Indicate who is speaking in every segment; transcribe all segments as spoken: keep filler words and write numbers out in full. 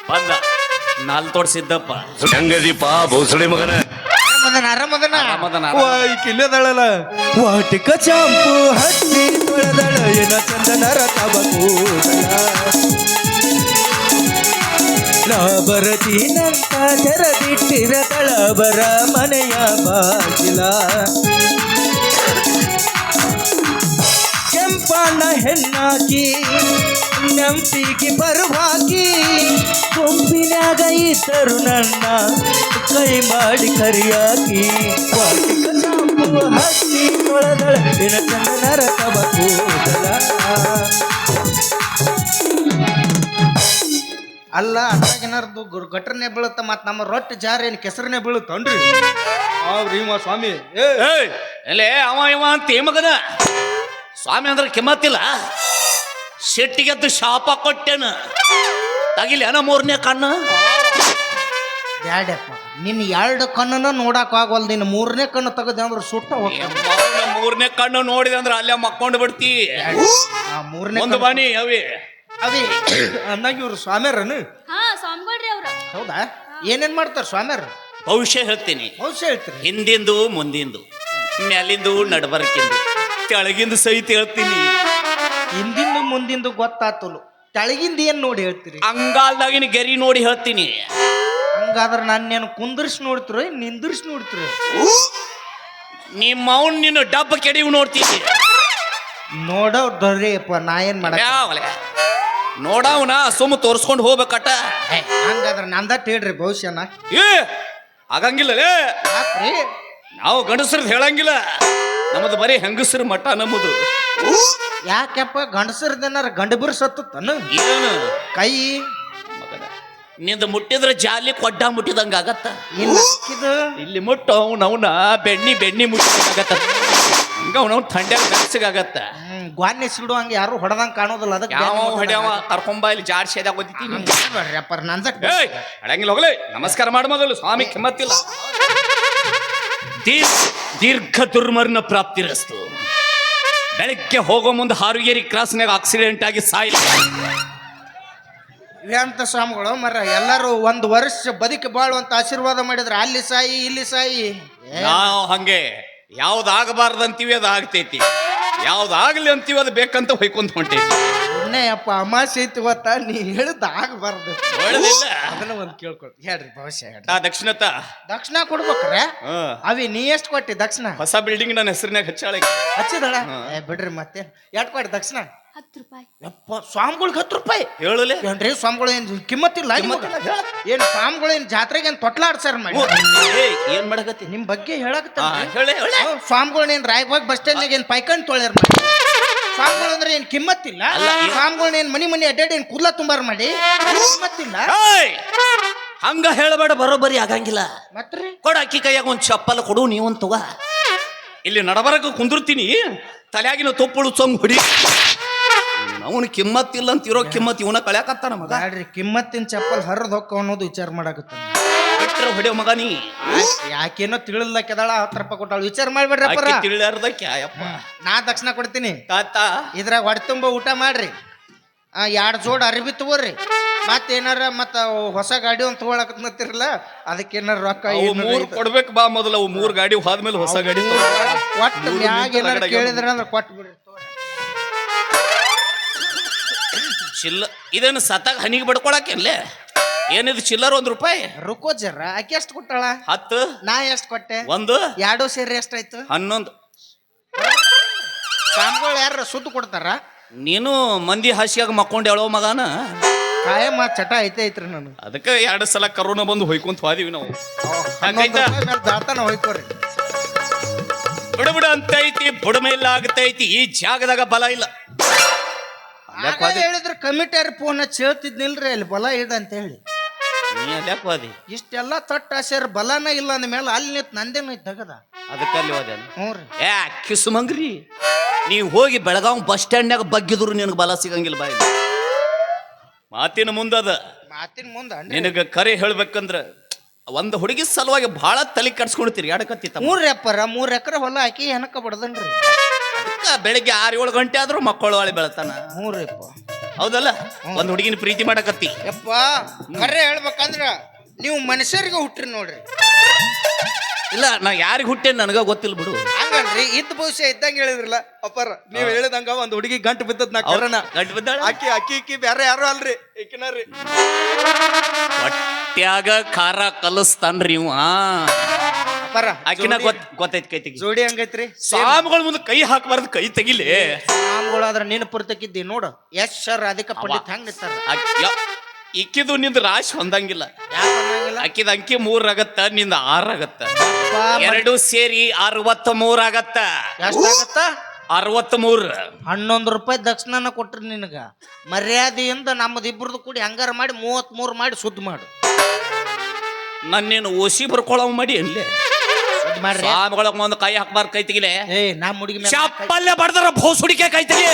Speaker 1: ಬಂದ ನಾಲ್ ತೋಡ್ಸಿದ್ದಪ್ಪ
Speaker 2: ಹೆಂಗದೀಪ ಭೋಸಳೆ ಮಗನ
Speaker 3: ಆರಾಮದನ ಆರಾಮದನ
Speaker 1: ಆರಾಮದನ,
Speaker 3: ವಾ ಈ ಕಿಲ್ಲದಳಲ್ಲ ವಾಟಿಕ ಚಾಂಪು ಹಚ್ಚಿ ತೊಳೆದಳ ಏನ ಚಂದನರ ತಬಕೂದಳ ನಾ ಬರತೀನಂತ ತೆರದಿಟ್ಟಿರ ತಳಬರ ಮನೆಯ ಬಾಗಿಲ ಕೆಂಪಣ್ಣ ಹೆಣ್ಣಾಕಿ ನೆಂಪಿಗೆ ಬರುವಾಕಿ ಕೊಂಬಿನಾಗ ಇದ್ದರು ನನ್ನ ಕೈ ಮಾಡಿ ಕರಿಯಾಕಿ ವಾಟಿಕ ಚಾಂಪು ಹಚ್ಚಿ ತೊಳೆದಳ ಏನ ಚಂದನರ ತಬಕೂದಳ ಅಲ್ಲ ಅದ್ರಾಗೇನಾರ್ದು ಗಟ್ರನೆ ಬೀಳುತ್ತ ಮತ್ ನಮ್ಮ ರೊಟ್ಟಿ ಜಾರ ಏನ್ ಕೆಸರನೆ ಬೀಳುತ್ತನ್ರಿ ಅವ್ರಿ ಇವ ಸ್ವಾಮಿ ಏ
Speaker 1: ಏಯ್ ಎಲೆ ಅವ ಇವ ಅಂತ ಮಗನ ಸ್ವಾಮಿ ಅಂದ್ರೆ ಕಿಮ್ಮತ್ತಿಲ್ಲ ಶೆಟ್ಟಿಗೆದ್ದು ಶಾಪ ಕೊಟ್ಟೆನ ತಗಿಲಿ ಅನ ಮೂರನೇ ಕಣ್ಣು
Speaker 3: ಬ್ಯಾಡಪ್ಪ ನಿನ್ ಎರಡು ಕಣ್ಣನ್ನ ನೋಡಕ್ ಆಗವಲ್ ನಿನ್ನ ಮೂರನೇ ಕಣ್ಣು ತೆಗದೆ ಅಂದ್ರೆ ಸುಟ್ಟ ಹೋಗ್ತಾವ
Speaker 1: ಮೂರನೇ ಕಣ್ಣು ನೋಡಿದೆ ಅಂದ್ರೆ ಅಲ್ಲೇ ಮಕ್ಕೊಂಡು ಬಿಡ್ತಿ
Speaker 3: ಆ ಮೂರನೇ
Speaker 1: ಒಂದು ಬಾನಿ ಅವಿ
Speaker 3: ಅವಿ ಅಂದಾಗ ಇವ್ರು ಸ್ವಾಮ್ಯಾರನು
Speaker 4: ಹಾ ಸ್ವಾಮಿಗಳ್ರಿ ಅವ್ರ
Speaker 3: ಹೌದಾ ಏನೇನ್ ಮಾಡ್ತಾರ ಸ್ವಾಮ್ಯಾರ
Speaker 1: ಭವಿಷ್ಯ ಹೇಳ್ತೀನಿ
Speaker 3: ಭವಿಷ್ಯ ಹೇಳ್ತೀರಿ
Speaker 1: ಹಿಂದಿಂದು ಮುಂದಿಂದು ಮ್ಯಾಲಿಂದು ನಡಬರ್ಕಿಂದು ಕೆಳಗಿಂದು ಸಹಿತ ಹೇಳ್ತೀನಿ
Speaker 3: ಹಿಂದಿಂದು ಮುಂದಿಂದು ಗೊತ್ತಾತಲು ತೆಳಗಿಂದ ಏನ್ ನೋಡಿ ಹೇಳ್ತೀರಿ
Speaker 1: ಅಂಗಾಲ್ದಾಗಿನ ಗೆರಿ ನೋಡಿ ಹೇಳ್ತೀನಿ
Speaker 3: ಹಂಗಾದ್ರೆ ನಾನೇನು ಕುಂದರ್ಸಿ ನೋಡ್ತಿರೋ ನಿಂದಿರ್ಸಿ ನೋಡ್ತಿರೋ
Speaker 1: ನಿಮ್ಮ ಅವ್ನ್ ನಿನ್ನ ಡಬ್ಬ ಕೆಡಿವು ನೋಡ್ತೀನಿ
Speaker 3: ನೋಡೋ ದೊರೆಯಪ್ಪ ನಾ ಏನ್ ಮಾಡ
Speaker 1: ಯಾವಲೆ ನೋಡವನ ಸುಮ್ಮ ತೋರ್ಸ್ಕೊಂಡು ಹೋಗ್ಬೇಕಟ
Speaker 3: ಹಂಗಾದ್ರೆ ನಂದಟ್ ಹೇಳ್ರಿ ಭವಿಷ್ಯನ
Speaker 1: ಏ ಆಗಂಗಿಲ್ಲಲೇ
Speaker 3: ಯಾಕ್ರಿ
Speaker 1: ನಾವು ಗಂಡಸ್ರದ್ ಹೇಳಂಗಿಲ್ಲ ನಮ್ಮದು ಬರೀ ಹೆಂಗಸ್ರ ಮಠ ನಮ್ಮದು
Speaker 3: ಯಾಕೆಪ್ಪ ಗಂಡಸರ್ದೇನಾರ ಗಂಡ ಬಿರ್ ಸತ್ತನು
Speaker 1: ಏನು
Speaker 3: ಕೈ
Speaker 1: ಮಗನ ನಿಂದ ಮುಟ್ಟಿದ್ರೆ ಜಾಲಿ ಕೊಡ್ಡ ಮುಟ್ಟಿದಂಗ ಆಗತ್ತ
Speaker 3: ಏನ್ ಇದು
Speaker 1: ಇಲ್ಲಿ ಮುಟ್ಟು ಅವ್ನ ಅವನ ಬೆಣ್ಣಿ ಬೆಣ್ಣಿ ಮುಟ್ಟಿದಂಗಾಗತ್ತ ಹಂಗ ಅವನವ್ ಥಂಡ್ಯಾಗ ಬೆಚ್ಚಗಾಗತ್ತ
Speaker 3: ಹ್ಮ್ ಗ್ವಾನ್ಯ ಸಿಡು ಹಂಗ ಯಾರು ಹೊಡೆದಂಗ ಕಾಣೋದಿಲ್ಲ ಅದಕ್ಕೆ
Speaker 1: ಯಾವ ಹೊಡ್ಯಾವ ಕರ್ಕೊಂಬ ಇಲ್ಲಿ ಜಾಡ್ ಸೇದಾಗ ಓದಿತೀನಿ
Speaker 3: ಅಪ್ಪ ನಂದಟ್
Speaker 1: ಏಯ್ ಅಡಂಗಿಲ್ಲ ಹೋಗ್ಲಿ ನಮಸ್ಕಾರ ಮಾಡ ಮೊದಲು ಸ್ವಾಮಿ ಕಿಮ್ಮತ್ತಿಲ್ಲ ದೀರ್ ದೀರ್ಘ ದುರ್ಮರಣ ಪ್ರಾಪ್ತಿರಸ್ತು ಬೆಳಗ್ಗೆ ಹೋಗೋ ಮುಂದೆ ಹಾರುಗೇರಿ ಕ್ರಾಸ್ನಾಗ ಆಕ್ಸಿಡೆಂಟ್ ಆಗಿ ಸಾಯಿಲ್ಲ
Speaker 3: ಅಂತ ಸ್ವಾಮಿಗಳು ಮರ ಎಲ್ಲರೂ ಒಂದು ವರ್ಷ ಬದುಕಿ ಬಾಳುವಂತ ಆಶೀರ್ವಾದ ಮಾಡಿದ್ರೆ ಅಲ್ಲಿ ಸಾಯಿ ಇಲ್ಲಿ ಸಾಯಿ
Speaker 1: ನಾವು ಹಂಗೆ ಯಾವ್ದಾಗಬಾರ್ದು ಅಂತೀವಿ ಅದು ಆಗ್ತೈತಿ ಯಾವ್ದಾಗ್ಲಿ ಅಂತೀವಿ ಅದು ಬೇಕಂತ ಹೊಯ್ಕೊಂತ ಹೊಂಟೈತಿ
Speaker 3: ಇನ್ನೇ ಅಪ್ಪ ಅಮಾಸೆ ಐತಿ ಗೊತ್ತಾ ನೀ ಹೇಳಿದ ಆಗಬಾರ್ದು
Speaker 1: ಒಳ್ಳೆದಿಲ್ಲ
Speaker 3: ಅದನ್ನ ಒಂದ್ ಕೇಳ್ಕೊಳ್ತಿ ಹೇಳ್ರಿ ಭವಿಷ್ಯ ಹೇಳ್ರಿ
Speaker 1: ಆ ದಕ್ಷಿಣತ
Speaker 3: ದಕ್ಷಿಣ ಕೊಡ್ಬೇಕ್ರೆ
Speaker 1: ಹಾ
Speaker 3: ಅವಿ ನೀ ಎಷ್ಟು ಕೊಟ್ಟಿ ದಕ್ಷಿಣ
Speaker 1: ಹೊಸ ಬಿಲ್ಡಿಂಗ್ ನನ್ನ ಹೆಸರಿನಾಗ ಹಚ್ಚಾಳೆ
Speaker 3: ಹಚ್ಚಿದಳ ಏ ಬಿಡ್ರಿ ಮತ್ತೆ ಎಷ್ಟು ಕೊಟ್ಟಿ ದಕ್ಷಿಣ
Speaker 4: ಹತ್ತು ರೂಪಾಯಿ
Speaker 3: ಯಪ್ಪ ಸ್ವಾಮಿಗಳಿಗೆ ಹತ್ತು ರೂಪಾಯಿ
Speaker 1: ಹೇಳಲೆ
Speaker 3: ಏನ್ರಿ ಸ್ವಾಮಿಗಳು ಏನ್ ಕಿಮ್ಮತ್ತಿಲ್ಲ
Speaker 1: ಕಿಮ್ಮತ್ತಿಲ್ಲ, ಹೇಳ.
Speaker 3: ಏನ್ ಸ್ವಾಮಿಗಳು ಏನ್ ಜಾತ್ರೆಗೆ ಏನ್ ತೊಟ್ಲಾಡ್ಸಾರ ಮಾಡಿ
Speaker 1: ಏಯ್ ಏನ್ ಮಾಡಕತ್ತಿ
Speaker 3: ನಿಮ್ ಬಗ್ಗೆ ಹೇಳಕತ್ತ
Speaker 1: ಹಾ, ಹೇಳೆ ಹೇಳೆ
Speaker 3: ಸ್ವಾಮಿಗಳು ಏನ್ ರಾಯಬಾಗ್ ಬಸ್ ಸ್ಟ್ಯಾಂಡ್ ಏನ್ ಪೈಕಂಡ್ ತೊಳ್ಯಾರ ಮಾಡಿ ಸ್ವಾಮಿಗಳು ಅಂದ್ರೆ ಏನ್ ಕಿಮ್ಮತ್ತಿಲ್ಲ
Speaker 1: ಅಲ್ಲ, ಏನ್-
Speaker 3: ಸ್ವಾಮಿಗಳು ಏನ್ ಮನಿ ಮನಿ ಅಡ್ಡಾಡಿ ಏನ್ ಕೂದ್ಲ ತುಂಬಾರ ಮಾಡಿ ಕಿಮ್ಮತ್ತಿಲ್ಲ
Speaker 1: ಏಯ್! ಹಂಗ ಹೇಳಬೇಡ ಬರೋಬ್ಬರಿ ಆಗಂಗಿಲ್ಲ
Speaker 3: ಮತ್ರಿ
Speaker 1: ಕೊಡ ಅಕ್ಕಿ ಕೈಯಾಗ ಒಂದ್ ಚಪ್ಪಲ್ ಕೊಡು ನೀವೊಂದ್ ತಗ ಇಲ್ಲಿ ನಡಬರಕ ಕುಂದಿರ್ತೀನಿ ತಲೆಯಾಗಿನ ತೊಪ್ಪಳು ಚೊಂಗ್ ಹೊಡಿ ಅವನು ಕಿಮ್ಮತ್ತಿಲ್ಲ ಅಂತ ಇರೋ ಕಿಮ್ಮತ್ ಇವನ ಕಳ್ಯಾಕತ್ತಾನ ಮಗ
Speaker 3: ಬ್ಯಾಡ್ರಿ ಕಿಮ್ಮತ್ತಿನ ಚಪ್ಪಲ್ ಹರಿದ್ ಹೊಕ್ಕ ಅನ್ನೋದು ವಿಚಾರ ಮಾಡಾಕತ್ತ
Speaker 1: ಬಿಟ್ರೆ ಹೊಡೆಯೋ ಮಗ ನೀ
Speaker 3: ಯಾಕೇನೋ ತಿಳಿಲ್ದಕ್ಕೆದಾಳ ಹತ್ತು ರೂಪಾಯಿ ಕೊಟ್ಟಾಳ ವಿಚಾರ ಮಾಡ್ಬೇಡ್ರಿ ಅಪ್ಪರ
Speaker 1: ಅಕ್ಕಿ ತಿಳಿಯಾರ್ದಕ್ಕೆ ಅಯ್ಯಪ್ಪ
Speaker 3: ನಾ ದಕ್ಷಿಣ ಕೊಡ್ತೀನಿ
Speaker 1: ತಾತ
Speaker 3: ಇದ್ರಾಗ ಹೊಟ್ಟೆ ತುಂಬ ಊಟ ಮಾಡ್ರಿ ಆ ಎರಡು ಜೋಡ್ ಅರಿಬಿ ತಗೋರಿ ಮತ್ತೇನಾರ ಮತ್ತ ಹೊಸ ಗಾಡಿ ಒಂದು ತಗೊಳಕತ್ನತ್ತಿರಲ್ಲ ಅದಕ್ಕೇನಾರ ರೊಕ್ಕ
Speaker 1: ಅವು
Speaker 3: ಏನಾರ
Speaker 1: ಮೂರ್ ಕೊಡ್ಬೇಕು ಬಾ ಮೊದಲು ಅವು ಮೂರ್ ಗಾಡಿ ಹೋದ್ಮೇಲೆ ಹೊಸ ಗಾಡಿ
Speaker 3: ಒಟ್ಟು ಮ್ಯಾಗ ಏನಾರ ಕೇಳಿದ್ರ ಅಂದ್ರೆ ಕೊಟ್ಟು ಬಿಡ್ರಿ
Speaker 1: ಚಿಲ್ಲ ಇದೇನು ಸತ್ತಾಗ ಹನಿಗೆ ಬಡ್ಕೊಳಕೇನ್ಲೆ ಏನಿದು ಚಿಲ್ಲರ್ ಒಂದ್ ರೂಪಾಯಿ
Speaker 3: ರುಕೋ ಜರ ಆಕೆ ಎಷ್ಟು ಕೊಟ್ಟಾಳ
Speaker 1: ಹತ್ತು
Speaker 3: ನಾ ಎಷ್ಟು ಕೊಟ್ಟೆ
Speaker 1: ಒಂದು
Speaker 3: ಎರಡು ಸೇರಿ ಎಷ್ಟಾಯ್ತು
Speaker 1: ಹನ್ನೊಂದು
Speaker 3: ಸ್ವಾಮಿಗಳು ಯಾರ ಸುದ್ದು ಕೊಡ್ತಾರ
Speaker 1: ನೀನು ಮಂದಿ ಹಾಸಿಯಾಗ ಮಕ್ಕೊಂಡು ಹೇಳೋ ಮಗನ
Speaker 3: ಕಾಯಮ್ಮ ಚಟ ಐತೆ ಐತ್ರಿ ನಾನು
Speaker 1: ಅದಕ್ಕೆ ಎರಡು ಸಲ ಕರೋನಾ ಬಂದು ಹೊಯ್ಕೊಂತ ಹೋದಿವಿ ನಾವು
Speaker 3: ಹನ್ನೊಂದು ರೂಪಾಯಿ ಮೇಲೆ ದಾಳ್ತಾನ ಹೋಯ್ಕೋರಿ
Speaker 1: ಬಿಡ ಬಿಡ ಅಂತ ಐತಿ ಬುಡಮೇಲ ಆಗತೈತಿ ಈ ಜಾಗದಾಗ ಬಲ ಇಲ್ಲ
Speaker 3: ಆಗ ಹೇಳಿದ್ರೆ ಕಮಿಟಿಯರ್ ಫೋನ್ ಹಚ್ಚಿ ಹೇಳ್ತಿದ್ನಿಲ್ರಿ ಅಲ್ಲಿ ಬಲ ಇದೆ ಅಂತ ಹೇಳಿ
Speaker 1: ನೀ ಅದ್ಯಾಕ್ ಹೋದಿ
Speaker 3: ಇಷ್ಟೆಲ್ಲ ತಟ್ಟ ಆಸೆರ್ ಬಲನ ಇಲ್ಲ ಅಂದ ಮೇಲೆ ಅಲ್ಲಿ ನಿಂತು ನಂದೇನು ತಗದ
Speaker 1: ಅದಕ್ಕಲ್ಲಿ ಹೋದೇನು
Speaker 3: ಹ್ಞೂ ರೀ
Speaker 1: ಏ ಕಿಸುಮಂಗ್ರಿ ನೀವು ಹೋಗಿ ಬೆಳಗಾವ್ ಬಸ್ ಸ್ಟ್ಯಾಂಡ್ನಾಗ ಬಗ್ಗಿದ್ರು ನಿನಗೆ ಬಲ ಸಿಗಂಗಿಲ್ಲ ಬಾಯಿ ಮಾತಿನ ಮುಂದದ
Speaker 3: ಮಾತಿನ ಮುಂದ
Speaker 1: ನಿನಗ ಕರೆ ಹೇಳ್ಬೇಕಂದ್ರ ಒಂದು ಹುಡುಗಿ ಸಲುವಾಗಿ ಬಹಳ ತಲೆ ಕಟ್ಸ್ಕೊಳ್ತೀರಿ ಎಡಕತ್ತಿತ್ತ
Speaker 3: ಮೂರ್ ಎಪ್ಪರ ಮೂರ್ ಎಕರೆ ಹೊಲ ಹಾಕಿ ಹೆನಕ ಬಡದನ್ರಿ
Speaker 1: ಅದಕ್ಕ ಬೆಳಿಗ್ಗೆ ಆರು ಏಳು ಗಂಟೆ ಆದ್ರೂ ಮಕ್ಕಳು ವಾಳಿ ಬೆಳತಾನ
Speaker 3: ಮೂರ್ ಎಪ್ಪ
Speaker 1: ಹೌದಲ್ಲ ಒಂದ್ ಹುಡುಗಿನ ಪ್ರೀತಿ ಮಾಡಕತ್ತಿ.
Speaker 3: ಯಪ್ಪ ಖರೆ ಹೇಳ್ಬೇಕಂದ್ರ ನೀವು ಮನುಷ್ಯರಿಗೆ ಹುಟ್ಟ್ರಿ ನೋಡ್ರಿ.
Speaker 1: ಇಲ್ಲ ನಾ ಯಾರಿಗೆ ಹುಟ್ಟೇನ್ ನನಗ ಗೊತ್ತಿಲ್ಲ ಬಿಡು.
Speaker 3: ಹಂಗಲ್ರಿ ಇದ್ದ ಭವಿಷ್ಯ ಇದ್ದಂಗ ಹೇಳಿದ್ರಲ್ಲ ಅಪ್ಪಾರ ನೀವ್ ಹೇಳಿದಂಗ ಒಂದ್ ಹುಡುಗಿ ಗಂಟು ಬಿದ್ದದ್ ನಾ ಕರಣ
Speaker 1: ಗಂಟು ಬಿದ್ದಾಳ
Speaker 3: ಅಕ್ಕಿ ಅಕ್ಕಿ ಇಕ್ಕಿ ಬ್ಯಾರೆ ಯಾರು ಅಲ್ರಿ ಇಕ್ಕಿನಾರಿ
Speaker 1: ಹೊಟ್ಯಾಗ ಖಾರ ಕಲಸ್ತಾನ್ರಿ ಇವ.
Speaker 3: ಅಪ್ಪಾರ
Speaker 1: ಆಕಿನ ಗೊತ್ತ ಗೊತ್ತೈತಿ ಕೈ ತೆಗಿ.
Speaker 3: ಜೋಡಿ ಹಂಗೈತ್ರಿ
Speaker 1: ಸಾಮ್ಗಳ ಮುಂದೆ ಕೈ ಹಾಕಬಾರ್ದು, ಕೈ ತೆಗಿಲಿ.
Speaker 3: ಸಾಮ್ಗಳು ಅದ್ರ ನೀನು ಪುರ್ತಕ್ಕಿದ್ದಿ ನೋಡು ಎಸ್ ಸರ್ ಅದಕ್ಕೆ ಪಂಡಿತ್ ಹೆಂಗ್ ನಿಂತಾರ.
Speaker 1: ಇಕ್ಕಿದು ನಿಂದ ರಾಶಿ ಹೊಂದಂಗಿಲ್ಲ.
Speaker 3: ಯಾಕಂಗಿಲ್ಲ
Speaker 1: ಅಕ್ಕಿದ ಅಂಕಿ ಮೂರ್ ಆಗತ್ತ, ನಿಂದ ಆರ್ ಆಗತ್ತ. ಎರಡು ಸೇರಿ ಅರವತ್ತ ಮೂರ್ ಆಗತ್ತ.
Speaker 3: ಎಷ್ಟಾಗತ್ತ?
Speaker 1: ಅರವತ್ತ ಮೂರ್.
Speaker 3: ಹನ್ನೊಂದು ರೂಪಾಯಿ ದಕ್ಷಿಣನ ಕೊಟ್ರಿ ನಿನಗ. ಮರ್ಯಾದೆಯಿಂದ ನಮ್ಮದು ಇಬ್ರದ್ದು ಕೂಡಿ ಹಂಗಾರ ಮಾಡಿ ಮೂವತ್ ಮೂರು ಮಾಡಿ ಸುದ್ದಿ ಮಾಡು.
Speaker 1: ನನ್ನೇನು ಓಸಿ ಬರ್ಕೊಳವ್ ಮಾಡಿ ಅಲ್ಲೇ
Speaker 3: ಸುದ್ದಿ ಮಾಡ್ರಿ.
Speaker 1: ಸಾಮ್ಗೊಳಗ್ ಒಂದು ಕೈ ಹಾಕ್ಬಾರ್ದು, ಕೈ ತೆಗಿಲೆ.
Speaker 3: ಏ ನಮ್ಮ ಹುಡುಗಿ ಮೇಲೆ
Speaker 1: ಚಪ್ಪಲ್ಲೇ ಬಡ್ದಾರ ಭೋಸುಡಿಕೆ ಕೈ ತೆಗಿ.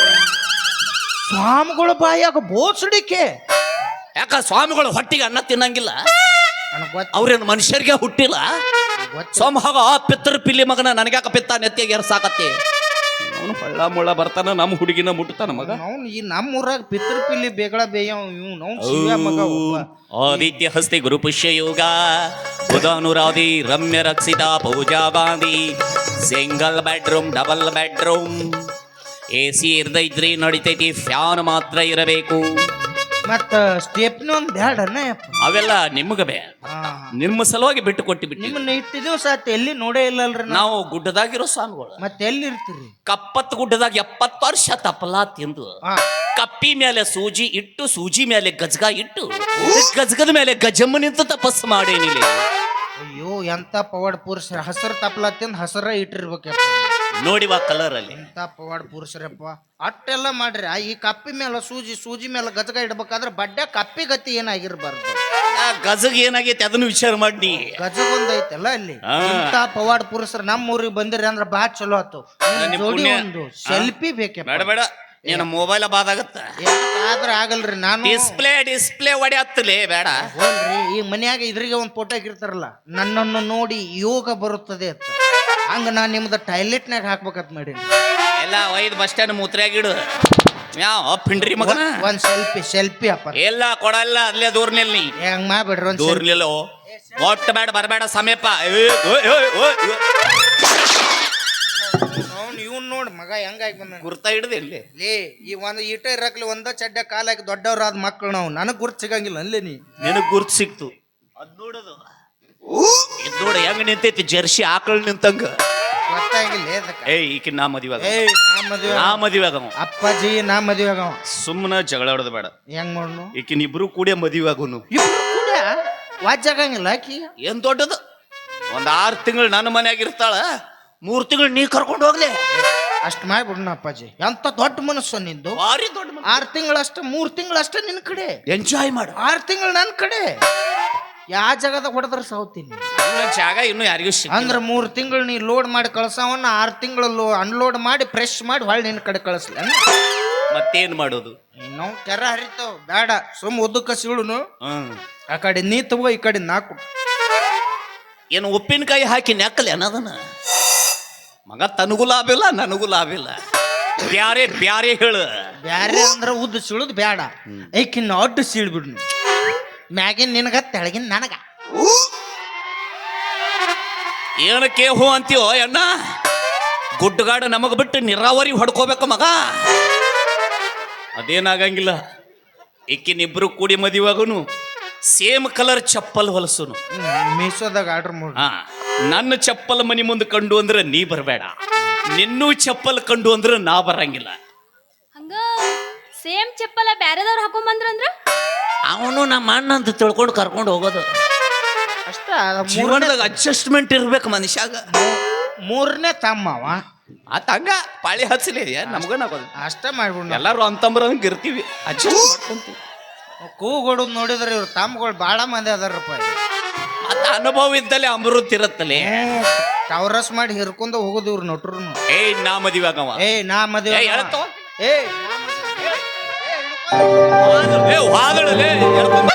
Speaker 3: ಸ್ವಾಮಿಗಳು ಬಾಯಾಗ ಬೋಸಡಿಕೆ.
Speaker 1: ಯಾಕ ಸ್ವಾಮಿಗಳು ಹೊಟ್ಟಿಗೆ ಅನ್ನ ತಿನ್ನಂಗಿಲ್ಲ?
Speaker 3: ನನಗ್ ಗೊತ್ತ
Speaker 1: ಅವ್ರೇನು ಮನುಷ್ಯರಿಗೆ ಹುಟ್ಟಿಲ್ಲ? ಸೋಮಹಾಗ ಪಿತ್ರ ಪಿಲ್ಲಿ ಮಗನ ನನಗ್ಯಾಕ ಪಿತ್ತ ನೆತ್ತಿಗೆ ಸಾಕತ್ತಿ. ಅವನು ಪಳ್ಳ ಮುಳ್ಳ ಬರ್ತಾನ, ನಮ್ಮ ಹುಡುಗಿನ ಮುಟ್ತಾನ ಮಗ.
Speaker 3: ಅವ್ನು ಈ ನಮ್ಮ ಊರಾಗ ಪಿತೃ ಪಿಲ್ಲಿ ಬೇಗಳ ಬೇಯ ಇವ್ನು ಅವ್ನು ಶಿವ ಮಗ ಒಬ್ಬ.
Speaker 1: ಆದಿತ್ಯ ಹಸ್ತಿ ಗುರು ಪುಷ್ಯ ಯೋಗ ಬುಧಾನುರಾಧಿ Ramya Rakshita Pooja Gandhi. Single bedroom double bedroom. A C ಇರ್ದ ಇದ್ರಿ ನಡಿತೈತಿ, ಫ್ಯಾನ್ ಮಾತ್ರ ಇರಬೇಕು.
Speaker 3: ಮತ್ತ ಸ್ಟೆಪ್ನ ಒಂದ್ ಬ್ಯಾಡನ ಯಪ್ಪ.
Speaker 1: ಅವೆಲ್ಲ ನಿಮ್ಗ ಬೇ, ನಿಮ್ಮ ಸಲುವಾಗಿ ಬಿಟ್ಟು ಕೊಟ್ಟು ಬಿಟ್ಟು.
Speaker 3: ನಿಮ್ಮನ್ನ ಇಟ್ಟು ದಿವಸ ಆತ ಎಲ್ಲಿ ನೋಡೇ ಇಲ್ಲಲ್ರಿ ನಾವು.
Speaker 1: ನಾವು ಗುಡ್ಡದಾಗಿರೋ ಸ್ವಾಮಿಗಳು.
Speaker 3: ಮತ್ತೆ ಎಲ್ಲಿ ಇರ್ತೀರಿ?
Speaker 1: ಕಪ್ಪತ್ ಗುಡ್ಡದಾಗ ಎಪ್ಪತ್ತು ವರ್ಷ ತಪ್ಪಲಾ ತಿಂದು
Speaker 3: ಹಾ
Speaker 1: ಕಪ್ಪಿ ಮೇಲೆ ಸೂಜಿ ಇಟ್ಟು, ಸೂಜಿ ಮೇಲೆ ಗಜಗ ಇಟ್ಟು, ಗಜಗದ ಮೇಲೆ ಗಜಮ್ಮ ನಿಂತು ತಪಸ್ಸು ಮಾಡೇನಿಲ್ಲ.
Speaker 3: ಅಯ್ಯೋ ಎಂತ ಪವಾಡ್ ಪುರುಷರ ಹಸರು ತಪ್ಪಲ ತಿಂದು ಹಸರ ಇಟ್ಟಿರ್ಬೇಕಪ್ಪ.
Speaker 1: ನೋಡಿವ ಕಲರ್ ಅಲ್ಲಿ
Speaker 3: ಎಂತ ಪವಾಡ್ ಪುರುಷರಪ್ಪ. ಅಟ್ಟೆಲ್ಲ ಮಾಡ್ರಿ. ಆ ಈ ಕಪ್ಪಿ ಮೇಲೆ ಸೂಜಿ ಸೂಜಿ ಮೇಲೆ ಗಜಗ ಇಡ್ಬೇಕಾದ್ರೆ ಬಡ್ಡೆ ಕಪ್ಪಿ ಗತಿ ಏನಾಗಿರ್ಬಾರ್ದು.
Speaker 1: ಆ ಗಜಗ ಏನಾಗೈತಿ ಅದನ್ನು ವಿಚಾರ ಮಾಡಿ.
Speaker 3: ಗಜಗ ಒಂದೈತಲ್ಲ ಅಲ್ಲಿ.
Speaker 1: ಹಾ.
Speaker 3: ಇಂತ ಪವಾಡ್ ಪುರುಷರು ನಮ್ಮ ಊರಿಗೆ ಬಂದಿರಿ ಅಂದ್ರೆ ಬಾ ಚಲೋ ಆತು. ನಿಮ್
Speaker 1: ನಿಮ್
Speaker 3: ಜೋಡಿ
Speaker 1: ಪುಣ್ಯ.
Speaker 3: ಒಂದು ಸೆಲ್ಫಿ ಬೇಕಪ್ಪ.
Speaker 1: ಬೇಡ ಬೇಡ, ನೀನು ಮೊಬೈಲ್ ಬಾದಾಗತ್ತ.
Speaker 3: ಆದ್ರ ಆಗಲ್ರಿ. ನಾನು
Speaker 1: ಡಿಸ್ಪ್ಲೇ ಡಿಸ್ಪ್ಲೇ ಹೊಡೆಯತ್ತಲೇ ಬೇಡ.
Speaker 3: ಹೋಲ್ರಿ ಈ ಮನ್ಯಾಗ ಇದ್ರಿಗೆ ಒಂದು ಫೋಟೋ ಹಾಕಿರ್ತಾರಲ್ಲ, ನನ್ನನ್ನು ನೋಡಿ ಯೋಗ ಬರುತ್ತದೆ ಅಂತ. ಹಂಗ ನಾನ್ ನಿಮ್ದ ಟಾಯ್ಲೆಟ್ನಾಗ ಹಾಕ್ಬೇಕಂತ ಮಾಡೀನಿ.
Speaker 1: ಎಲ್ಲ ಒಯ್ದು ಬಸ್ ಸ್ಟ್ಯಾಂಡ್ ಮೂತ್ರ್ಯಾಗಿಡು. ಯಾವ ಪಿಂಡ್ರಿ ಮಗನ
Speaker 3: ಒಂದ್ ಸೆಲ್ಫಿ ಸೆಲ್ಫಿ ಅಪ್ಪ.
Speaker 1: ಎಲ್ಲ ಕೊಡಲ್ಲ, ಅಲ್ಲೇ ದೂರ್ನಿಲ್ ನೀ
Speaker 3: ಹೆಂಗ್ ಮಾಡ್ಬೇಡ್ರಿ ಒಂದ್
Speaker 1: ದೂರ್ನಿಲ್ಲ. ಒಟ್ಟು ಬೇಡ ಬರಬೇಡ ಸಮೀಪ.
Speaker 3: ಅವ್ನು ಇವ್ನ್ ನೋಡ್ ಮಗ ಹೆಂಗಾಗಿ ಬಂದ
Speaker 1: ಗುರ್ತ ಹಿಡ್ದು ಎಲ್ಲಿ
Speaker 3: ಲೇ. ಈ ಒಂದ್ ಈಟ ಇರಕ್ಲಿ ಒಂದ ಚಡ್ಡ ಕಾಲಾಕಿ ದೊಡ್ಡವ್ರಾದ ಮಕ್ಕಳು ನಾವು. ನನಗ್ ಗುರ್ತ್ ಸಿಗಂಗಿಲ್ಲ ಅಲ್ಲೇ ನೀ.
Speaker 1: ನಿನಗ್ ಗುರ್ತು ಸಿಕ್ತು. ಅದ್ ನೋಡೋದು ಇದ್ ನೋಡ ಹೆಂಗ್ ನಿಂತೈತಿ, ಜರ್ಸಿ ಆಕಳ್ ನಿಂತಂಗ.
Speaker 3: ಗೊತ್ತಾಗಿಲ್ಲ ಅದಕ್ಕ.
Speaker 1: ಏಯ್ ಈಕಿ ನಾ ಮದುವೆ ಆಗ,
Speaker 3: ಏಯ್ ನಾ ಮದ್ವೆ
Speaker 1: ನಾ ಮದುವೆ ಆಗವ.
Speaker 3: ಅಪ್ಪಾಜಿ ನಾ ಮದ್ವೆ ಆಗವ.
Speaker 1: ಸುಮ್ಮನ ಜಗಳ ಹೊಡೆದ ಬೇಡ.
Speaker 3: ಹೆಂಗ್ ಮಾಡ್ನು?
Speaker 1: ಈಕಿನ ಇಬ್ರು ಕೂಡಿ ಮದುವೆ ಆಗೋನು.
Speaker 3: ಇಬ್ರು ಕೂಡ ವಾಜ್ ಆಗಂಗಿಲ್ಲ ಆಕಿ.
Speaker 1: ಏನ್ ದೊಡ್ಡದು, ಒಂದ್ ಆರು ತಿಂಗಳು ನನ್ನ ಮನ್ಯಾಗ ಇರ್ತಾಳ, ಮೂರ್ ತಿಂಗಳು ನೀ ಕರ್ಕೊಂಡು ಹೋಗ್ಲಿ.
Speaker 3: ಅಷ್ಟ್ ಮಾಡ್ಬಿಡ್ನ ಅಪ್ಪಾಜಿ. ಎಂತ ದೊಡ್ಡ ಮನಸ್ಸು ನಿಂದು.
Speaker 1: ಭಾರಿ ದೊಡ್ಡ ಮನ್ಸು.
Speaker 3: ಆರ್ ತಿಂಗಳಷ್ಟ ಮೂರ್ ತಿಂಗಳಷ್ಟ ನಿನ್ ಕಡೆ
Speaker 1: ಎಂಜಾಯ್ ಮಾಡು.
Speaker 3: ಆರ್ ತಿಂಗಳು ನನ್ ಕಡೆ. ಯಾ ಜಾಗದಾಗ ಹೊಡೆದ್ರ ಸಾವ್ತೀನಿ.
Speaker 1: ನನ್ನ ಜಾಗ ಇನ್ನು ಯಾರಿಗೂ ಸಿಕ್ಕ.
Speaker 3: ಅಂದ್ರ ಮೂರ್ ತಿಂಗಳು ನೀ ಲೋಡ್ ಮಾಡಿ ಕಳ್ಸವನ್ನ ಆರ್ ತಿಂಗಳು ಅನ್ಲೋಡ್ ಮಾಡಿ ಫ್ರೆಶ್ ಮಾಡಿ ಹೊಳ್ಳಿ ನಿನ್ ಕಡೆ ಕಳಿಸ್ಲ.
Speaker 1: ಮತ್ತೇನ್ ಮಾಡೋದು?
Speaker 3: ನಾವು ಕೆರ ಹರಿತಾವ್ ಬೇಡ, ಸುಮ್ ಉದ್ದಕ್ಕ ಸಿಳುನು.
Speaker 1: ಹ್ಮ್
Speaker 3: ಆ ಕಡೆ ನೀ ತಗೋ, ಈ ಕಡೆ ನಾಕು.
Speaker 1: ಏನು ಉಪ್ಪಿನಕಾಯಿ ಹಾಕಿ ನೆಕ್ಕಲೆ ಅನ್ನೋದನ್ನ ಮಗ. ತನಗೂ ಲಾಭ ಇಲ್ಲ, ನನಗೂ ಲಾಭ ಇಲ್ಲ. ಬ್ಯಾರೆ ಬ್ಯಾರೆ ಹೇಳು.
Speaker 3: ಬ್ಯಾರೆ ಅಂದ್ರ ಉದ್ದ ಸಿಳುದ್ ಬ್ಯಾಡ, ಐಕಿನ್ನ ಅಡ್ಡು ಸೀಳ್ಬಿಡ್ನಿ. ಮ್ಯಾಗಿನ್ ನಿನಗ ತೆಳಗಿನ ನನಗ.
Speaker 1: ಏನಕ್ಕೆ ಹೋ ಅಂತೀವೋ ಅಣ್ಣ? ಗುಡ್ಡಗಾಡು ನಮಗ್ ಬಿಟ್ಟು ನೀರಾವರಿ ಹೊಡ್ಕೋಬೇಕು ಮಗ. ಅದೇನಾಗಂಗಿಲ್ಲ. ಇಕ್ಕಿನಿಬ್ರು ಕೂಡಿ ಮದುವಾಗುನು ಸೇಮ್ ಕಲರ್ ಚಪ್ಪಲ್ ಹೊಲಸುನು.
Speaker 3: ಮೀಸೋದಾಗ ಆರ್ಡರ್ ಮಾಡಿ.
Speaker 1: ಹಾ, ನನ್ನ ಚಪ್ಪಲ್ ಮನಿ ಮುಂದೆ ಕಂಡು ಅಂದ್ರೆ ನೀ ಬರಬೇಡ, ನಿನ್ನೂ ಚಪ್ಪಲ್ ಕಂಡು ಅಂದ್ರೆ ನಾ ಬರಂಗಿಲ್ಲ.
Speaker 4: ಹಂಗ ಸೇಮ್ ಚಪ್ಪಲ ಬ್ಯಾರೆದವ್ರು ಹಾಕೊಂಡ್ ಬಂದ್ರಂದ್ರ
Speaker 1: ಅವನು ನಮ್ಮ ಅಣ್ಣ ಅಂತ ತಿಳ್ಕೊಂಡು ಕರ್ಕೊಂಡು ಹೋಗೋದು
Speaker 3: ಅಷ್ಟ.
Speaker 1: ಜೀವನದಾಗ ಅಡ್ಜಸ್ಟ್ಮೆಂಟ್ ಇರ್ಬೇಕು ಮನುಷ್ಯಾಗ.
Speaker 3: ಮೂರನೇ ತಮ್ಮವ
Speaker 1: ಆ ತಂಗ ಪಾಳಿ ಹಚ್ಚಲಿ ನಮ್ಗನಾಗೋದು.
Speaker 3: ಅಷ್ಟ ಮಾಡ್ಬಿಡ್.
Speaker 1: ಎಲ್ಲಾರು ಅಂತಂಬ್ರಂಗ ಇರ್ತೀವಿ, ಅಡ್ಜಸ್ಟ್ ಮಾಡ್ಕೊಂತೀವಿ.
Speaker 3: ಕೂಗೊಡೋದು ನೋಡಿದ್ರೆ ಇವ್ರ ತಮ್ಮಗಳು ಬಾಳ ಮಂದಿ ಅದಾರಪ್ಪ.
Speaker 1: ಮತ್ತ ಅನುಭವ ಇದ್ದಲ್ಲಿ ಅಮೃತ ಇರತ್ತಲೆ.
Speaker 3: ಟವರಸ್ ಮಾಡಿ ಹಿರ್ಕೊಂಡ ಹೋಗೋದು ಇವ್ರು ನಟ್ರು.
Speaker 1: ಏ ನಾ ಮದುವೆ ಆಗವ.
Speaker 3: ಏ ನಾ ಮದುವೆ.
Speaker 1: ಏ ಹೇಳ್ತವ.
Speaker 3: ಏ
Speaker 1: ಏ ವಾದಳಲೆ ಹೇಳ್ಕೊಂಬ.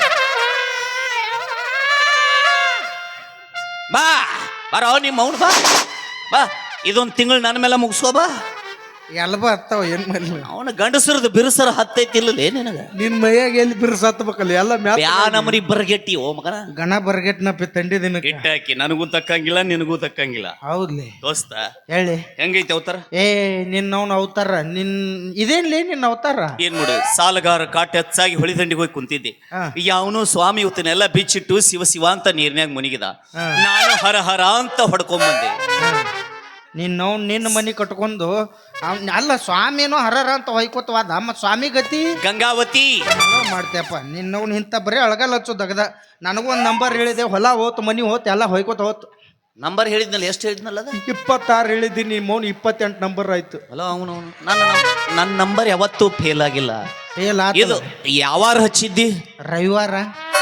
Speaker 1: ಬಾ ಬರೋ ನಿಮ್ಮ ಅವ್ನು ಬಾ ಬಾ. ಇದೊಂದು ತಿಂಗಳು ನನ್ನ ಮೇಲೆ ಮುಗಿಸೋ ಬಾ.
Speaker 3: ಎಲ್ಬ ಹತ್ತಾವ ಏನ್ ಮಾಡ್ಲಿ
Speaker 1: ಅವನ ಗಂಡಸರದು ಬಿರುಸರ ಹತ್ತೈತಿಲ್ಲ ನಿನಗ
Speaker 3: ನಿನ್ ಮೈಯಾಗ ಎಲ್ಲಿ ಬಿರ್ಸ್ ಹತ್ಬೇಕಲ್ಲ ಎಲ್ಲ ಮ್ಯಾಲ
Speaker 1: ಯಾ ನಮನಿ ಬರಗೆಟ್ಟಿ ಓ ಮಗನ
Speaker 3: ಗಣ ಬರ್ಗೆಟ್ನಪ್ಪಿ ತಂಡಿ ದಿನಕ್ಕೆ
Speaker 1: ಗಿಟ್ಟಾಕಿ ನನಗೂ ತಕ್ಕಂಗಿಲ್ಲ ನಿನಗೂ ತಕ್ಕಂಗಿಲ್ಲ
Speaker 3: ಹೌದ್ಲಿ
Speaker 1: ದೋಸ್ತ
Speaker 3: ಹೇಳಿ
Speaker 1: ಹೆಂಗೈತಿ ಅವತಾರ
Speaker 3: ಏ ನಿನ್ನವನ್ ಅವತಾರ ನಿನ್ ಇದೇನ್ಲಿ ನಿನ್ನ ಅವತಾರ
Speaker 1: ಏನ್ ಮಾಡು ಸಾಲಗಾರ ಕಾಟ ಹೆಚ್ಚಾಗಿ ಹೊಳಿದಂಡಿಗೆ ಹೋಗಿ ಕುಂತಿದ್ದೆ
Speaker 3: ಹಾ.
Speaker 1: ಯಾವನು ಸ್ವಾಮಿ ಇವತ್ತನ್ನೆಲ್ಲ ಬಿಚ್ಚಿಟ್ಟು ಶಿವ ಶಿವ ಅಂತ ನೀರ್ನ್ಯಾಗ ಮುನಿಗಿದ
Speaker 3: ಹಾ.
Speaker 1: ನಾನು ಹರ ಹರ ಅಂತ ಹೊಡ್ಕೊಂಬಂದೆ
Speaker 3: ನಿನ್ನವ್ ನಿನ್ನ ಮನಿ ಕಟ್ಕೊಂಡು ಅವ್ನ್- ಅಲ್ಲ ಸ್ವಾಮಿನೋ ಹರರ ಅಂತ ಹೊಯ್ಕೋತವಾದ ಮತ್ ಸ್ವಾಮಿ ಗತಿ
Speaker 1: ಗಂಗಾವತಿ
Speaker 3: ಮಾಡ್ತೇಪ್ಪ ನಿನ್ನವ್ನ ಇಂಥ ಬರೀ ಅಳಗಲ್ ಹಚ್ಚು ದಗದ ನನಗೂ ಒಂದು ನಂಬರ್ ಹೇಳಿದೆ ಹೊಲ ಹೋತ್ ಮನಿ ಹೋತ್ ಎಲ್ಲ ಹೊಯ್ಕೋತ ಹೋತ್
Speaker 1: ನಂಬರ್ ಹೇಳಿದ್ನಲ್ಲ ಎಷ್ಟು ಹೇಳಿದ್ನಲ್ಲ ಅದ
Speaker 3: ಇಪ್ಪತ್ತಾರು ಹೇಳಿದ್ದೀನಿ ಮೌನ್ ಇಪ್ಪತ್ತೆಂಟು ನಂಬರ್ ಆಯ್ತು
Speaker 1: ಅಲ್ಲ ಅವನು ನನ್ನ ನನ್ನ ನಂಬರ್ ಯಾವತ್ತೂ ಫೇಲ್ ಆಗಿಲ್ಲ
Speaker 3: ಏಲ
Speaker 1: ಇದು ಯಾವಾರ ಹಚ್ಚಿದ್ದಿ
Speaker 3: ರವಿವಾರ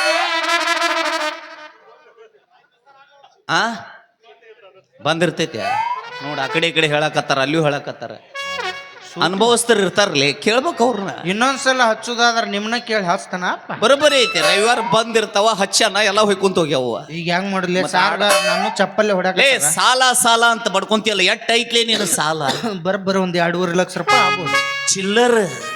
Speaker 1: ಆ ಬಂದಿರ್ತೈತೆ ನೋಡ್ ಆ ಕಡೆ ಈ ಕಡೆ ಹೇಳಕತ್ತಾರ ಅಲ್ಲಿಯೂ ಹೇಳಕತ್ತಾರ ಅನುಭವಸ್ಥರು ಇರ್ತಾರಲ್ಲ ಕೇಳ್ಬೇಕು ಅವ್ರನ್ನ
Speaker 3: ಇನ್ನೊಂದ್ಸಲ ಹಚ್ಚುದಾದ್ರ ನಿಮ್ನ ಕೇಳಿ ಹಚ್ತಾನ ಅಪ್ಪ
Speaker 1: ಬರೋಬ್ಬರಿ ಐತೆ ರವಿವಾರ ಬಂದಿರ್ತಾವ ಹಚ್ಚನ ಎಲ್ಲ ಹೊಯ್ಕೊಂತ ಹೋಗ್ಯಾವ
Speaker 3: ಈಗ ಹೆಂಗ್ ಮಾಡ್ಲಿ ಸಾರ್ ನಾನು ಚಪ್ಪಲ್ಲಿ ಹೊಡ್ಯಾಕ
Speaker 1: ಏ ಸಾಲ ಸಾಲ ಅಂತ ಬಡ್ಕೊಂತಿಯಲ್ಲ ಎಟ್ ಐತ್ಲೇ ನೀನು ಸಾಲ
Speaker 3: ಬರೋಬ್ಬರಿ ಒಂದ್ ಎರಡೂವರೆ ಲಕ್ಷ ರೂಪಾಯಿ ಆಗ್ಬೋದು
Speaker 1: ಚಿಲ್ಲರ್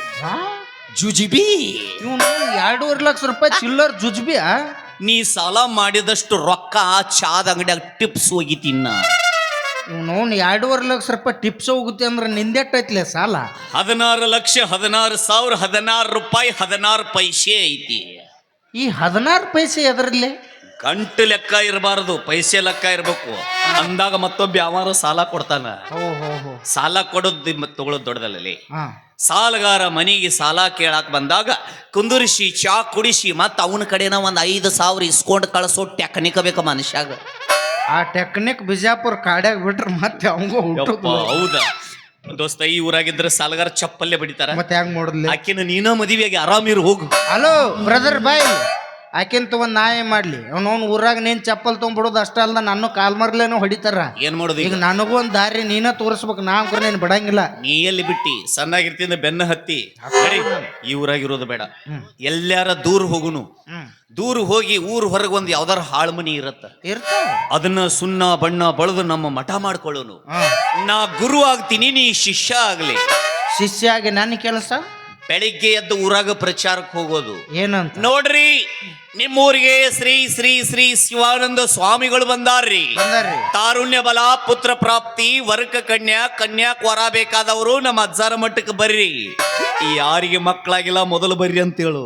Speaker 1: ಜುಜಿಬಿ
Speaker 3: ಇವನು ಎರಡೂವರೆ ಲಕ್ಷ ರೂಪಾಯಿ ಚಿಲ್ಲರ್ ಜುಜ್ಬಿಯಾ
Speaker 1: ನೀ ಸಾಲ ಮಾಡಿದಷ್ಟು ರೊಕ್ಕ ಚಾದ ಅಂಗಡಿಯಾಗ ಟಿಪ್ಸ್ ಹೋಗಿ ತಿನ್ನ
Speaker 3: ಇವನು ಎರಡೂವರೆ ಲಕ್ಷ ರೂಪಾಯಿ ಟಿಪ್ಸ್ ಹೋಗುತ್ತೆ ಅಂದ್ರೆ ನಿಂದೆಟ್ಟೈತ್ಲೆ ಸಾಲ
Speaker 1: ಹದಿನಾರು ಲಕ್ಷ ಹದಿನಾರು ಸಾವಿರ ಹದಿನಾರು ರೂಪಾಯಿ ಹದಿನಾರು ಪೈಸೆ ಐತಿ
Speaker 3: ಈ ಹದಿನಾರು ಪೈಸೆ ಎದರಲ್ಲಿ
Speaker 1: ಗಂಟು ಲೆಕ್ಕ ಇರಬಾರದು ಪೈಸೆ ಲೆಕ್ಕ ಇರ್ಬೇಕು ಅಂದಾಗ ಮತ್ತೊಬ್ಬ ಯಾವಾರ ಸಾಲ ಕೊಡ್ತಾನ
Speaker 3: ಓ ಹೋ ಹೋ
Speaker 1: ಸಾಲ ಕೊಡೋದು ಮತ್ತೆ ತಗೊಳ್ಳೋದು ದೊಡ್ಡದಲ್ಲೇ
Speaker 3: ಹಾ
Speaker 1: ಸಾಲಗಾರ ಮನೆಗೆ ಸಾಲ ಕೇಳಾಕ್ ಬಂದಾಗ ಕುಂದುರಿಸಿ ಚಾ ಕುಡಿಸಿ ಮತ್ತ ಅವನ ಕಡೆನ ಒಂದ್ ಐದು ಸಾವಿರ ಇಸ್ಕೊಂಡು ಕಳಿಸೋ ಟೆಕ್ನಿಕ್ ಬೇಕ ಮನುಷ್ಯಾಗ
Speaker 3: ಆ ಟೆಕ್ನಿಕ್ ಬಿಜಾಪುರ ಕಾಡ್ಯಾಗ ಬಿಟ್ರೆ ಮತ್ತೆ ಅವಂಗೂ
Speaker 1: ಯಪ್ಪ, ಹೌದಾ ದೋಸ್ತ ಈ ಊರಾಗಿದ್ರೆ ಸಾಲಗಾರ ಚಪ್ಪಲ್ಲೇ ಬಡಿತಾರ
Speaker 3: ಮತ್ತೆ ಹೆಂಗ್ ನೋಡ್ಲಿ
Speaker 1: ಆಕಿನ ನೀನ ಮದುವೆಗೆ ಆರಾಮಿರು ಹೋಗು
Speaker 3: ಹಲೋ ಬ್ರದರ್ ಬಾಯ್ ಆಕಿನ್ ತಗೊಂಡ್ ನಾ ಏನ್ ಮಾಡ್ಲಿ ಅವ್ನವ್ನ ಊರಾಗ ನೀನ್ ಚಪ್ಪಲ್ ತೊಗೊಂಡ್ಬಿಡೋದು ಅಷ್ಟ ಅಲ್ದ ನಾನು ಕಾಲ್ ಮರ್ಲೇನೋ ಹೊಡಿತಾರ
Speaker 1: ಏನ್ ಮಾಡೋದು
Speaker 3: ಈಗ
Speaker 1: ಈಗ
Speaker 3: ನನಗೂ ಒಂದ್ ದಾರಿ ನೀನ ತೋರಿಸ್ಬೇಕು ನಾ ಅಂಕರ್ ನೀನ್ ಬಿಡಂಗಿಲ್ಲ
Speaker 1: ನೀ ಎಲ್ಲಿ ಬಿಟ್ಟಿ ಸಣ್ಣಾಗಿರ್ತಿಂದ ಬೆನ್ನ ಹತ್ತಿ ನಡಿ, ಈ ಊರಾಗಿರೋದು ಬೇಡ ಎಲ್ಲಾರ ದೂರ ಹೋಗುನು
Speaker 3: ಹ್ಮ್
Speaker 1: ದೂರ ಹೋಗಿ ಊರ್ ಹೊರಗೆ ಒಂದ್ ಯಾವ್ದಾರ ಹಾಳು ಮನಿ ಇರತ್ತ
Speaker 3: ಇರ್ತಾವ
Speaker 1: ಅದನ್ನ ಸುಣ್ಣ ಬಣ್ಣ ಬಳಿದು ನಮ್ಮ ಮಠ ಮಾಡ್ಕೊಳ್ಳೋನು
Speaker 3: ಹಾ
Speaker 1: ನಾ ಗುರು ಆಗ್ತೀನಿ ನೀ ಶಿಷ್ಯ ಆಗ್ಲಿ
Speaker 3: ಶಿಷ್ಯ ಆಗಿ ನನ್ನ ಕೆಲಸ
Speaker 1: ಬೆಳಿಗ್ಗೆ ಎದ್ದು ಊರಾಗ ಪ್ರಚಾರಕ್ಕೆ ಹೋಗೋದು
Speaker 3: ಏನಂತ
Speaker 1: ನೋಡ್ರಿ ನಿಮ್ಮೂರಿಗೆ ಶ್ರೀ ಶ್ರೀ ಶ್ರೀ ಶಿವಾನಂದ ಸ್ವಾಮಿಗಳು ಬಂದಾರ್ರಿ
Speaker 3: ಬಂದಾರ್ರಿ
Speaker 1: ತಾರುಣ್ಯ ಬಲ ಪುತ್ರ ಪ್ರಾಪ್ತಿ ವರ್ಗ ಕನ್ಯಾ ಕನ್ಯಾಕ್ ವರ ಬೇಕಾದವರು ನಮ್ಮ ಅಜ್ಜಾರ ಮಟ್ಟಕ್ಕೆ ಬರ್ರಿ ಯಾರಿಗೆ ಮಕ್ಕಳಾಗಿಲ್ಲ ಮೊದಲು ಬರ್ರಿ ಅಂತ ಹೇಳು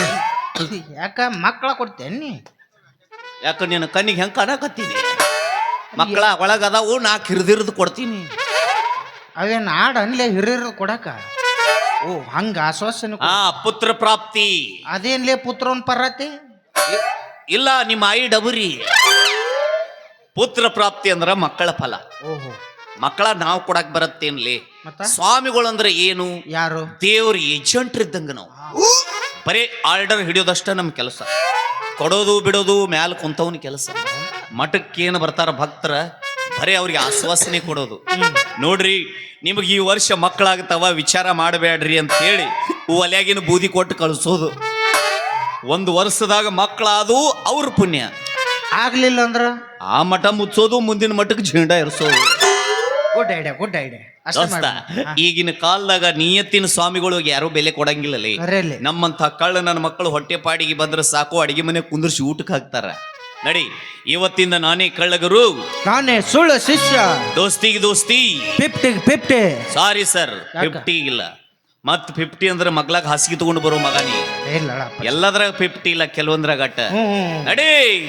Speaker 3: ಯಾಕ ಮಕ್ಕಳ ಕೊಡ್ತೇನಿ
Speaker 1: ಯಾಕ ನೀನು ಕಣ್ಣಿಗೆ ಹೆಂಗ್ ಕಾಣಕತ್ತೀನಿ ಮಕ್ಕಳ ಒಳಗದಾವು ನಾ ಕಿರಿದಿರಿದು ಕೊಡ್ತೀನಿ
Speaker 3: ಅವೇನ್ ಆಡ ಅನ್ಲೇ ಹಿರಿಯರು ಕೊಡಕ ಓ ಹಂಗ ಆಶ್ವಾಸನೆ
Speaker 1: ಆ ಪುತ್ರ ಪ್ರಾಪ್ತಿ
Speaker 3: ಅದೇನ್ಲೇ ಪುತ್ರನ್ ಪರತಿ
Speaker 1: ಇ- ಇಲ್ಲ ನಿಮ್ಮ ಆಯಿ ಡಬರಿ ಪುತ್ರ ಪ್ರಾಪ್ತಿ ಅಂದ್ರ ಮಕ್ಕಳ ಫಲ
Speaker 3: ಓಹೋ
Speaker 1: ಮಕ್ಕಳ ನಾವು ಕೊಡಕ್ ಬರತ್ತೇನ್ಲಿ
Speaker 3: ಮತ್ತ
Speaker 1: ಸ್ವಾಮಿಗಳು ಅಂದ್ರೆ ಏನು
Speaker 3: ಯಾರು
Speaker 1: ದೇವ್ರ ಏಜೆಂಟ್ ಇದ್ದಂಗ ನಾವು ಬರೀ ಆರ್ಡರ್ ಹಿಡಿಯೋದಷ್ಟ ನಮ್ ಕೆಲಸ ಕೊಡೋದು ಬಿಡೋದು ಮ್ಯಾಲ ಕುಂತವನ ಕೆಲಸ ಮಠಕ್ಕೇನು ಬರ್ತಾರ ಭಕ್ತರ ಬರೀ ಅವ್ರಿಗೆ ಆಶ್ವಾಸನೆ ಕೊಡೋದು ನೋಡ್ರಿ ನಿಮಗೆ ಈ ವರ್ಷ ಮಕ್ಕಳಾಗ್ತಾವ ವಿಚಾರ ಮಾಡಬೇಡ್ರಿ ಅಂತ ಹೇಳಿ ಒಲೆಯಾಗಿನ ಬೂದಿ ಕೊಟ್ಟು ಕಳಿಸೋದು ಒಂದು ವರ್ಷದಾಗ ಮಕ್ಕಳಾದು ಅವ್ರ ಪುಣ್ಯ
Speaker 3: ಆಗ್ಲಿಲ್ಲ ಅಂದ್ರ
Speaker 1: ಆ ಮಠ ಮುಚ್ಚೋದು ಮುಂದಿನ ಮಠಕ್ಕೆ ಝೇಂಡ ಇರಿಸೋದು
Speaker 3: ಗುಡ್ ಐಡಿಯಾ ಗುಡ್ ಐಡಿಯಾ
Speaker 1: ದೋಸ್ತ ಈಗಿನ ಕಾಲದಾಗ ನಿಯತ್ತಿನ ಸ್ವಾಮಿಗಳಿಗೆ ಯಾರು ಬೆಲೆ ಕೊಡಂಗಿಲ್ಲಲೇ
Speaker 3: ಅರೇಲಿ
Speaker 1: ನಮ್ಮಂತ ಕಳ್ಳ ನನ್ನ ಮಕ್ಕಳು ಹೊಟ್ಟೆ ಪಾಡಿಗೆ ಬಂದ್ರೆ ಸಾಕು ಅಡಿಗೆ ಮನೆ ಕುಂದರ್ಸಿ ಊಟಕ್ಕೆ ಹಾಕ್ತಾರ ನಡಿ ಇವತ್ತಿಂದ ನಾನೇ ಕಳ್ಳಗರು
Speaker 3: ನಾನೇ ಸುಳ್ಳು ಶಿಷ್ಯ
Speaker 1: ದೋಸ್ತಿಗೆ ದೋಸ್ತಿ
Speaker 3: ಫಿಫ್ಟಿ ಫಿಫ್ಟಿ
Speaker 1: ಸಾರಿ ಸರ್
Speaker 3: ಯಾಕ?
Speaker 1: ಫಿಫ್ಟಿ ಇಲ್ಲ ಮತ್ ಫಿಫ್ಟಿ ಅಂದ್ರೆ ಮಗ್ಲಾಗ ಹಾಸಿಗೆ ತಗೊಂಡು ಬರೋ ಮಗನಿ
Speaker 3: ಇಲ್ಲಪ್ಪ
Speaker 1: ಎಲ್ಲದ್ರಾಗ ಫಿಫ್ಟಿ ಇಲ್ಲ ಕೆಲವೊಂದ್ರಾಗ ಅಟ್ಟ
Speaker 3: ಹ್ಮ್
Speaker 1: ನಡಿ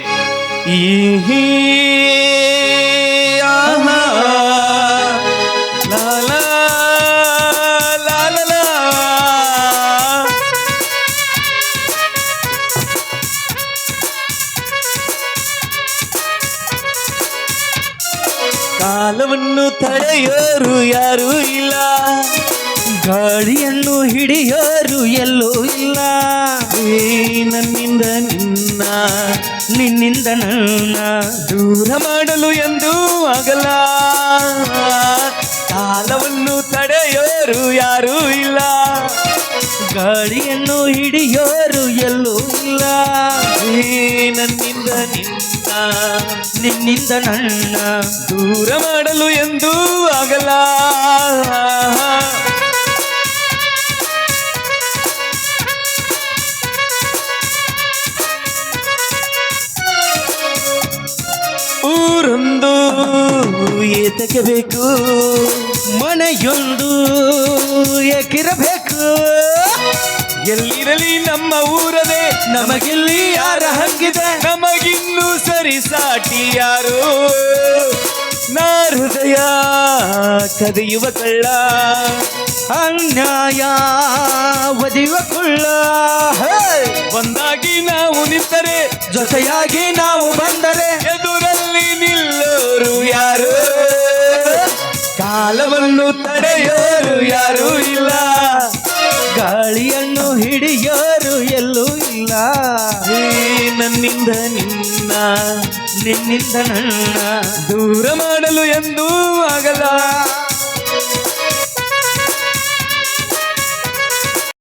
Speaker 1: ಈ ಆಹಾ, ಲಾ ಲಾ, ಲಾ ಲಾ ಲಾ. ಕಾಲವನ್ನು ತಡೆಯೋರು ಯಾರೂ ಇಲ್ಲ,
Speaker 3: ಗಾಳಿಯನ್ನು ಹಿಡಿಯೋರು ಎಲ್ಲೂ ಇಲ್ಲ,
Speaker 1: ಏ ನನ್ನಿಂದ ನಿನ್ನ
Speaker 3: ನಿನ್ನಿಂದ ನನ್ನ
Speaker 1: ದೂರ ಮಾಡಲು ಎಂದೂ ಆಗಲ್ಲ. ಕಾಲವನ್ನು ತಡೆಯೋರು ಯಾರೂ ಇಲ್ಲ,
Speaker 3: ಗಾಳಿಯನ್ನು ಹಿಡಿಯೋರು ಎಲ್ಲೂ ಇಲ್ಲ,
Speaker 1: ಏ ನನ್ನಿಂದ ನಿನ್ನ
Speaker 3: ನಿನ್ನಿಂದ ನನ್ನ
Speaker 1: ದೂರ ಮಾಡಲು ಎಂದೂ ಆಗಲ್ಲ.
Speaker 5: ಏತಕ್ಕೆ ಬೇಕು
Speaker 3: ಮನೆಯೊಂದು ಏಕಿರಬೇಕು
Speaker 5: ಎಲ್ಲಿರಲಿ ನಮ್ಮ ಊರದೆ ನಮಗಿಲ್ಲಿ ಯಾರ ಹಂಗಿದೆ ನಮಗಿನ್ನು ಸರಿ ಸಾಟಿ ಯಾರು ನಾ ಹೃದಯ ಕದಿಯುವ ಕಳ್ಳ
Speaker 3: ಅನ್ಯಾಯ ಒದಿಯುವ ಕುಳ್ಳ
Speaker 5: ಒಂದಾಗಿ ನಾವು ನಿಂತರೆ
Speaker 3: ಜೊತೆಯಾಗಿ ನಾವು ಬಂದರೆ
Speaker 5: ಎದುರಲ್ಲಿ ನಿಲ್ಲೋರು ಯಾರು ಕಾಲವನ್ನು ತಡೆಯೋರು ಯಾರು ಇಲ್ಲ
Speaker 3: ಗಾಳಿಯನ್ನು ಹಿಡಿಯೋರು ಎಲ್ಲೂ ಇಲ್ಲ
Speaker 5: ಈ ನನ್ನಿಂದ ನಿನ್ನ
Speaker 3: ನಿನ್ನಿಂದ ನನ್ನ
Speaker 5: ದೂರ ಮಾಡಲು ಎಂದೂ ಆಗಲ್ಲ